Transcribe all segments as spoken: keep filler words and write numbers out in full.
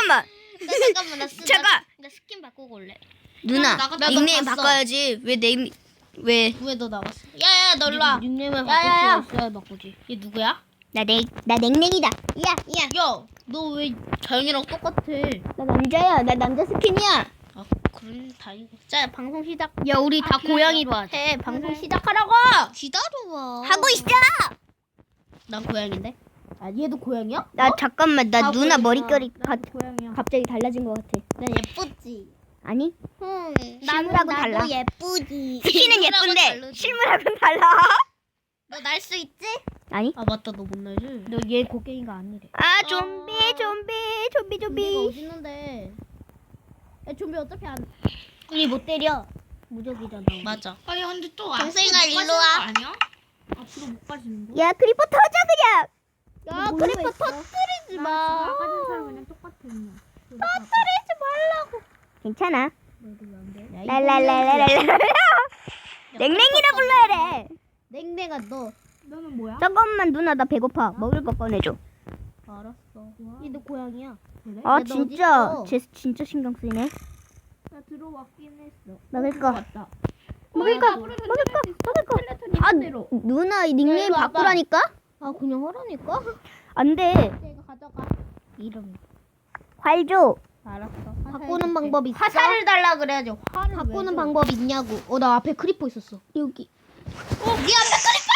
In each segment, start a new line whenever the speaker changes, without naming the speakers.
잠깐만.
나 잠깐만 나, 스,
잠깐.
나, 나 스킨 바꾸고 올래.
누나
나- 나
닉네임
봤어.
바꿔야지. 왜 네임 왜?
왜 너 나왔어? 야야 너 일로 와.
닉네임을
야야야.
바꿀 수 있어야 바꾸지.
얘 누구야?
나넥나 넥넥이다. 야 야.
야 너 왜 자연이랑 똑같아?
나 남자야. 나 남자 스킨이야.
아 그럼 다행이고. 자 방송 시작.
야 우리 다 고양이로 하자.
해 방송 시작하라고. 기다려봐.
하고 있잖아.
난 고양인데.
아 얘도 고양이야?
나 잠깐만. 나
다
누나
고양이야.
머릿결이 가,
나도 고양이야.
갑자기 달라진 것 같아.
난 예쁘지.
아니?
응.
실물하고 달라.
예쁘지.
스킨은
실물하고
예쁜데
다르지.
실물하고는 달라.
너 날 수 있지?
아니?
아 맞다 너 못 날지.
너 얘 곡괭이가 아니래.
아 좀비 좀비 좀비
좀비가
좀비.
어디 있는데? 야 좀비 어차피 안. 우리 못 때려. 무적이잖아. 우리.
맞아.
아니 근데 또
동생아,
앞으로 못
일로
가시는
와.
거 아니야? 앞으로 못 가시는 거?
야 크리퍼 터져 그냥.
야
뭐
그리고
모르겠어.
터뜨리지
나
마.
아까 전 사람 그냥 똑같아 그냥.
터뜨리지 말라고.
괜찮아.
너도 왜 안 돼? 야,
랄랄랄랄랄랄. 넥넥이라 불러야 돼.
냉랭아 너.
너는 뭐야?
잠깐만 누나 나 배고파. 먹을 거 꺼내줘.
알았어. 얘도 고양이야.
그래?
아
너
진짜
어딨어?
쟤 진짜 신경 쓰이네.
나 들어왔긴 했어.
먹을 거.
왔다.
먹을 거.
야,
먹을 거. 먹을 거.
스켈레톤
아
이대로.
누나 이 닉네임
일로 와봐.
바꾸라니까?
아 그냥 하라니까?
안 돼.
내가 가져가. 이름.
활 줘.
알았어. 바꾸는 방법 있어?
화살을 달라 그래야지. 화를
바꾸는
왜 줘?
방법 있냐고. 어 나 앞에 크리퍼 있었어.
여기.
어, 네 앞에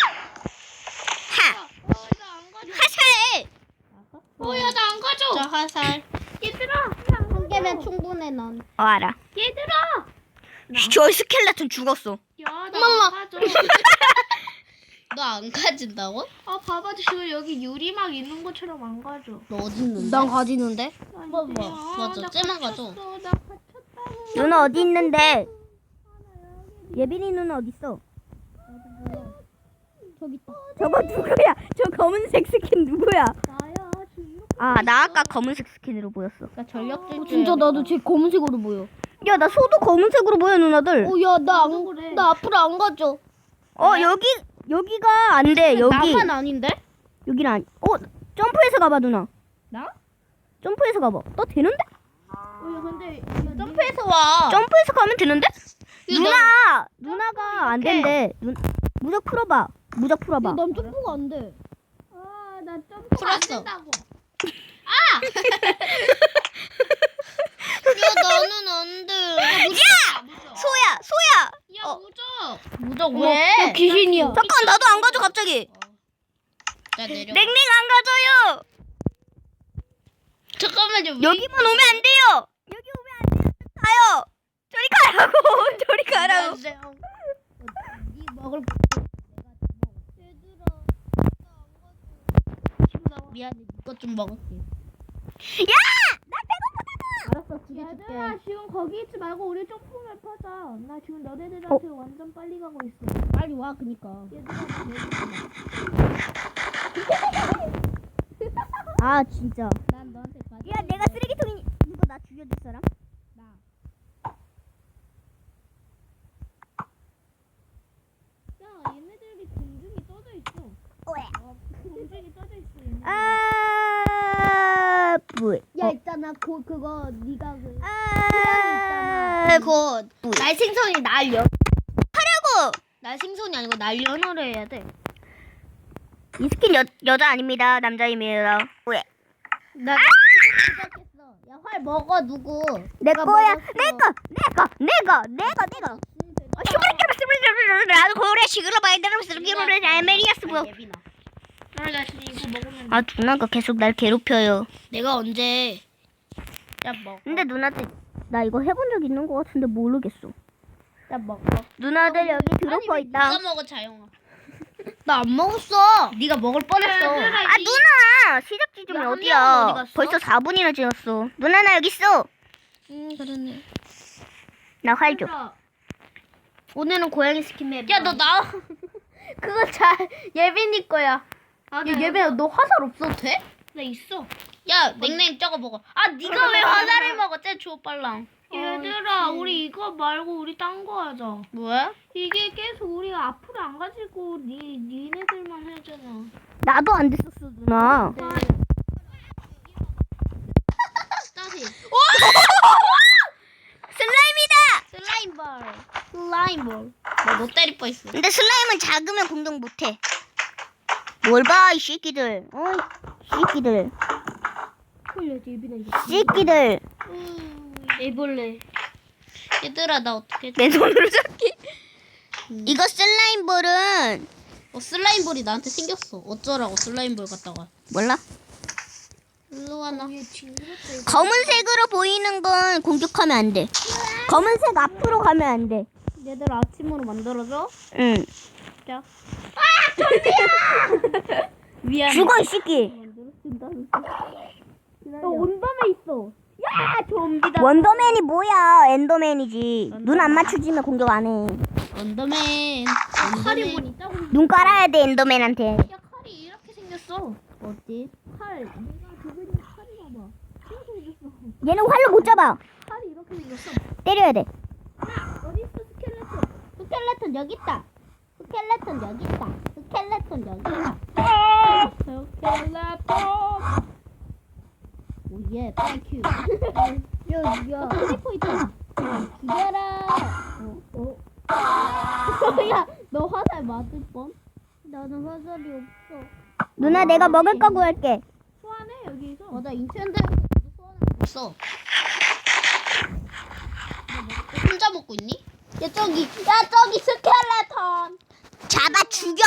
하.
어, 나안 가져.
화살.
어야 나 안 가져.
자 화살.
얘들아.
한 개면 충분해 난.
어 알아.
얘들아.
저 스켈레톤 죽었어.
야나
엄마.
안 가져.
너 안 가진다고?
아 봐봐 지금 여기 유리막 있는 것처럼 안 가져.
너 어디 있는데?
난 가지는데?
뭐
뭐. 맞아, 쟤만 가져.
나 갇혔다고.
누나 어디 있는데? 예빈이 누나 어디 있어?
저기 있다.
저거 누구야? 저 검은색 스킨 누구야?
나야 지금 이렇게.
아 나 아까 검은색 스킨으로 보였어.
나 전력
어, 진짜 나도 제 검은색으로 보여.
야 나 소도 검은색으로 보여 누나들.
어 야 나
나도
안,
그래.
나 앞으로 안 가져.
어 여기 여기가 안 돼. 여기
나만 아닌데?
여기는 안. 어 점프해서 가봐 누나.
나?
점프해서 가봐. 너 되는데?
어야 근데
점프해서 와.
점프해서 가면 되는데?
이거
누나 누나가 안 된대. 누, 무적 풀어봐. 무적 풀어봐.
난 점프가 안 돼.
아나 점프 안
풀었어.
된다고.
야 너는 안 돼.
야 소야 소야.
야 무적.
무적
어,
왜?
야, 귀신이야.
잠깐 나도 안 가져 갑자기.
자 내려.
넥넥 안 가져요.
잠깐만요.
여기만 오면 안 돼요. 여기 오면 안 돼요. 가요. 저리 가라고. 저리 가라고.
네 먹을
미안해. 이것 좀 먹을게.
야! 나
알았어 두개 줄게.
얘들아 지금 거기 있지 말고 우리 점프맵 하자. 나 지금 너네들한테 완전 빨리 가고 있어.
빨리 와 그니까.
얘들아 나
아 진짜.
난 너한테 가져.
야 내가 쓰레기통이 누가 나 죽여줄 사람?
야 얘네들이 공중이 떠져 있어.
왜?
어, 공중이 떠져 있어. 얘네.
아 뿌이.
야 있잖아 그 그거 네가 그.
아
곧
뿌이.
날 생선이 날려.
하라고.
날 생선이 아니고 날 연어를 해야 돼.
이 스킨 여 여자 아닙니다. 남자입니다. 왜?
나 시작했어. 야 활 먹어 누구?
내
내가
거야.
먹었어.
내 거. 내 거. 내 거. 내 거. 내 거. 나도 고래 시그러 봐야 되는 스기로를 알메리아스 뭐.
예빈아. 아, 나 지금 이거 먹으면
아 누나가 계속 날 괴롭혀요.
내가 언제? 야 먹어.
근데 누나들 나 이거 해본 적 있는 것 같은데 모르겠어.
야 먹어.
누나들 여기 드로퍼 있다.
네가 먹어 자영아. 나 안 먹었어. 네가 먹을 뻔했어.
아 누나 시작 지점이
야, 한
어디야?
명은 어디 갔어?
벌써 사 분이나 지났어. 누나 나 여기 있어.
음 그러네.
나 활 줘.
오늘은 고양이 스킨 맵.
야 너 나.
그거 잘 예빈이 거야.
아,
야
나
예빈아 너 화살 없어도 돼?
나 있어.
야 냉냉 저거 먹어. 아 네가 왜 화살을 먹어? 쟤 주워빨랑.
얘들아, 우리 이거 말고 우리 딴 거 하자.
뭐야?
이게 계속 우리가 앞으로 안 가지고 니 니네들만 하잖아.
나도 안 됐었어 누나.
있어.
근데 슬라임은 작으면 공격 못해. 뭘 봐, 이 새끼들. 어, 이 새끼들.
홀려지 입이나 이거.
새끼들.
애벌레. 얘들아 나 어떻게?
내 손으로 잡기. 이거 슬라임볼은
어 슬라임볼이 나한테 생겼어. 어쩌라고 슬라임볼 갖다가.
몰라?
일로 와 나.
검은색으로 보이는 건 공격하면 안 돼. 검은색 앞으로 가면 안 돼.
얘들 아침으로 만들어줘.
응.
자.
미안.
죽어, 이 새끼.
너 온덤에 있어. 야 좀비다.
원더맨이 뭐야? 엔더맨이지. 눈 안 맞추지면 공격 안 해.
언더맨.
칼이
언더맨.
뭐 있다고.
눈 깔아야 돼, 엔더맨한테.
야 칼이 이렇게 생겼어. 어디? 칼. 내가 저기 칼이 봐봐. 이렇게 생겼어.
얘는 활로 못 잡아.
칼이 이렇게 생겼어.
때려야 돼.
어디 있어 스켈레톤? 스켈레톤 여기 있다. 스켈레톤 여기 있다. 스켈레톤 여기 있다. 스켈레톤. 오예, 땡큐. 야, 야, 크리퍼 있잖아. 기다려. 어, 어. 야, 너 화살 맞을 뻔? 나는 화살이 없어.
누나, 내가 먹을 거 구할게.
소환해 여기서. 어, 나 인천대 소환해.
없어. 너 혼자 먹고 있니?
야 저기, 야 저기 스켈레톤.
잡아 죽여.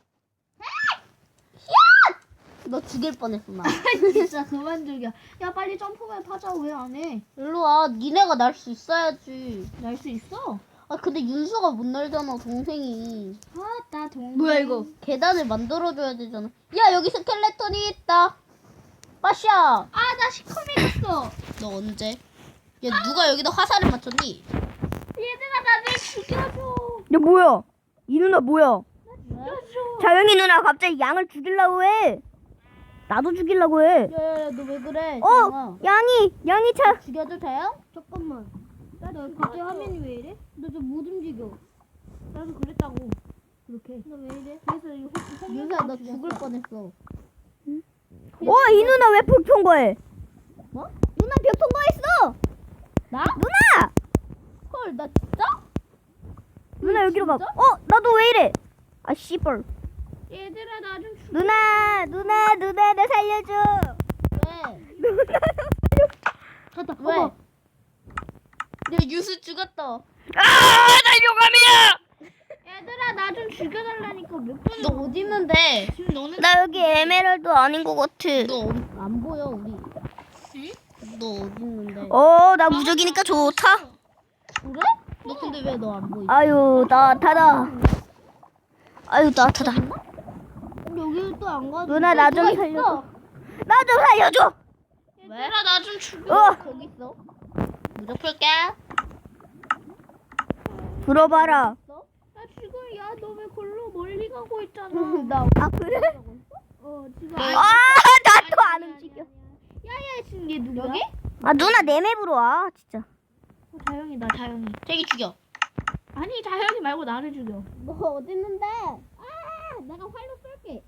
너 죽일 뻔했어 나.
진짜 그만 죽여. 야 빨리 점프맨 타자. 왜 안 해?
일로 와. 니네가 날 수 있어야지.
날 수 있어?
아 근데 윤수가 못 날잖아 동생이.
아나 동.
뭐야 이거? 계단을 만들어줘야 되잖아. 야 여기 스켈레톤이 있다. 빠샤.
아나 시커매졌어.
너 언제? 야 누가 여기다 화살을 맞췄니?
얘들아 나를 죽여줘.
야, 뭐야? 이 누나 뭐야?
죽여줘.
자영이 누나 갑자기 양을 죽이려고 해. 나도 죽이려고 해.
야야야 너 왜 그래?
어, 양이, 양이 차.
죽여도 돼요? 잠깐만. 너 갑자기 화면이 왜 이래? 너 좀 못 움직여. 나도 그랬다고. 그렇게. 너 왜 이래? 그래서 이거
윤수야 너 죽을 뻔했어.
어, 이 누나 왜 벽 통과해?
뭐?
누나 벽 통과했어.
나?
누나!
헐 나 진짜?
누나 여기로 가.
진짜?
어, 나도 왜 이래? 아, 씨발.
얘들아 나 좀 죽여.
누나, 누나, 누나, 나 살려줘.
왜?
누나, 나 살려.
갔다.
왜?
어머.
야 윤수 죽었다.
아, 나 용감이야.
얘들아 나 좀 죽여달라니까 몇 번.
너 어디 있는데?
지금 너는
나 여기 에메랄드 아닌 것 같아.
너 안 보여 우리. 응? 너 어디 있는데?
어, 나 무적이니까 좋다.
그래? 너 근데 왜 너 안 보이?
아유, 따뜻하다. 아유, 따뜻하다.
여기 또 안 가도.
누나, 나 좀 살려줘. 나 좀 살려줘.
얘들아 나 좀 죽여.
어,
거기 있어. 무적 풀게.
들어봐라.
나 지금 야 너 왜 골로 멀리 가고 있잖아.
나
아, 그래?
어 지금.
아,
아, 나도 안 움직여.
야야 지금 얘 누구야?
여기?
아, 누나 내 맵으로 와, 진짜.
어, 자영이다 자영이.
저기 죽여.
아니 자영이 말고 나를 죽여.
너 어디 있는데?
아 내가 활로 쏠게.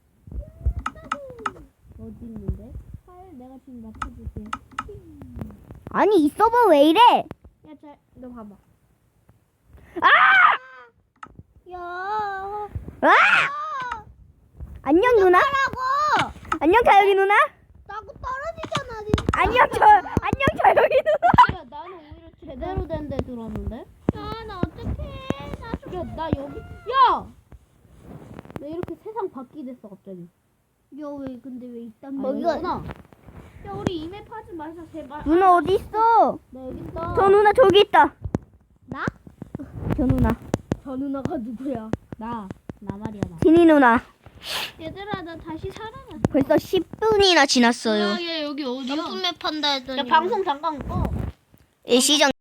어디 있는데?
활 내가 지금 맞춰줄게.
아니, 이 서버 왜 이래?
야자너 봐봐.
아!
야.
아! 안녕, 누나. 안녕, 자영이 누나.
나고 떨어지잖아. 진짜.
안녕, 저, 안녕, 자영이 누나.
야 나는 오히려 제대로 된 데 들어왔는데?
야나 어떡해. 나 좀.
야 나 여기. 야! 나 이렇게 세상 바뀌 됐어 갑자기.
야왜 근데 왜 이딴
아,
거?
여기구나.
야 우리 이맵 하지 마자 제발.
누나 어디 있어?
나 여기 있다.
저 누나 저기 있다.
나?
저 누나.
저 누나가 누구야?
나. 나 말이야 나.
진이 누나.
얘들아 나 다시 살아났어.
벌써 십 분이나 지났어요.
얘 여기 어디야? 점프맵 판다 했더니. 야 방송 잠깐 꺼.
일시정